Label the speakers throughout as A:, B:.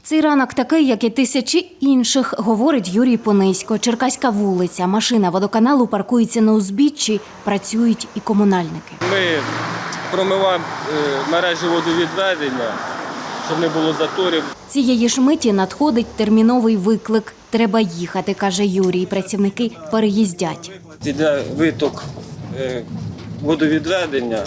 A: Цей ранок такий, як і тисячі інших, говорить Юрій Понисько. Черкаська вулиця. Машина водоканалу паркується на узбіччі, працюють і комунальники.
B: Ми промиваємо мережі водовідведення, щоб не було заторів.
A: Цієї ж миті надходить терміновий виклик. Треба їхати, каже Юрій. Працівники переїздять.
B: Іде виток водовідведення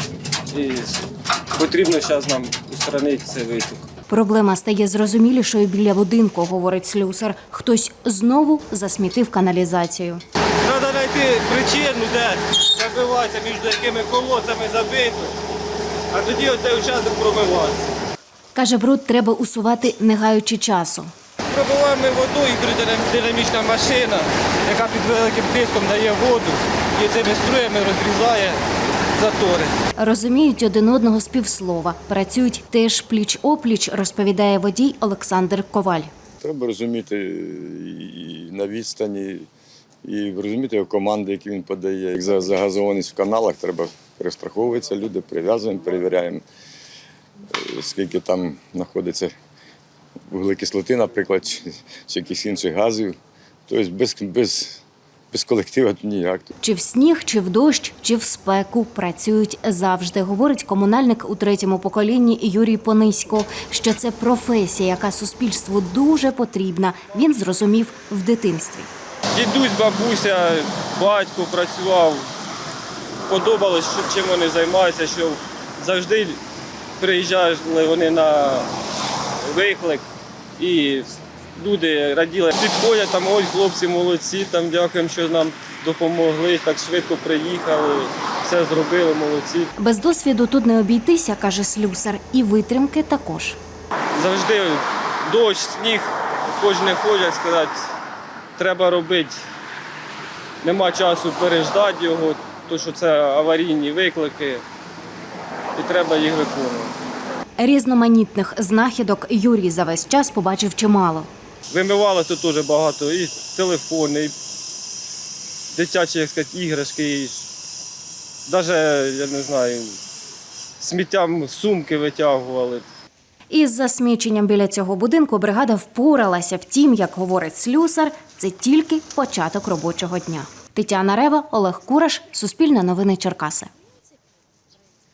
B: і потрібно зараз нам устранити цей виток.
A: Проблема стає зрозумілішою біля будинку, говорить слюсар. Хтось знову засмітив каналізацію.
B: Треба знайти причину, де забивається, між якими колодцями забито, а тоді оцей участок промивається.
A: Каже, бруд треба усувати, не гаючи часу.
B: Пробиваємо ми воду, і динамічна машина, яка під великим тиском дає воду, і цими струями розрізає затори.
A: Розуміють один одного з півслова. Працюють теж пліч-опліч, розповідає водій Олександр Коваль.
C: Треба розуміти і на відстані, і розуміти його команди, які він подає. Як загазованість в каналах, треба перестраховуватися, люди прив'язуємо, перевіряємо, скільки там знаходиться вуглекислоти, наприклад, чи якихось інших газів. Тобто без колективу ніяк.
A: Чи в сніг, чи в дощ, чи в спеку працюють завжди, говорить комунальник у третьому поколінні Юрій Понисько, що це професія, яка суспільству дуже потрібна. Він зрозумів в дитинстві.
B: Дідусь, бабуся, батько працював. Подобалось, чим вони займаються, що завжди приїжджали вони на виклик і люди раділи. Підходять, там, ой, хлопці молодці, там, дякуємо, що нам допомогли, так швидко приїхали, все зробили, молодці.
A: Без досвіду тут не обійтися, каже слюсар, і витримки також.
B: Завжди дощ, сніг, хоч не ходять, сказати, треба робити. Нема часу переждати його, тому що це аварійні виклики, і треба їх виконувати.
A: Різноманітних знахідок Юрій за весь час побачив чимало.
B: Вимивали тут дуже багато і телефони, і дитячі, як сказати, іграшки, і навіть, я не знаю, сміттям сумки витягували.
A: Із засміченням біля цього будинку бригада впоралася. Втім, як говорить слюсар, це тільки початок робочого дня. Тетяна Рева, Олег Кураш, Суспільне новини Черкаси.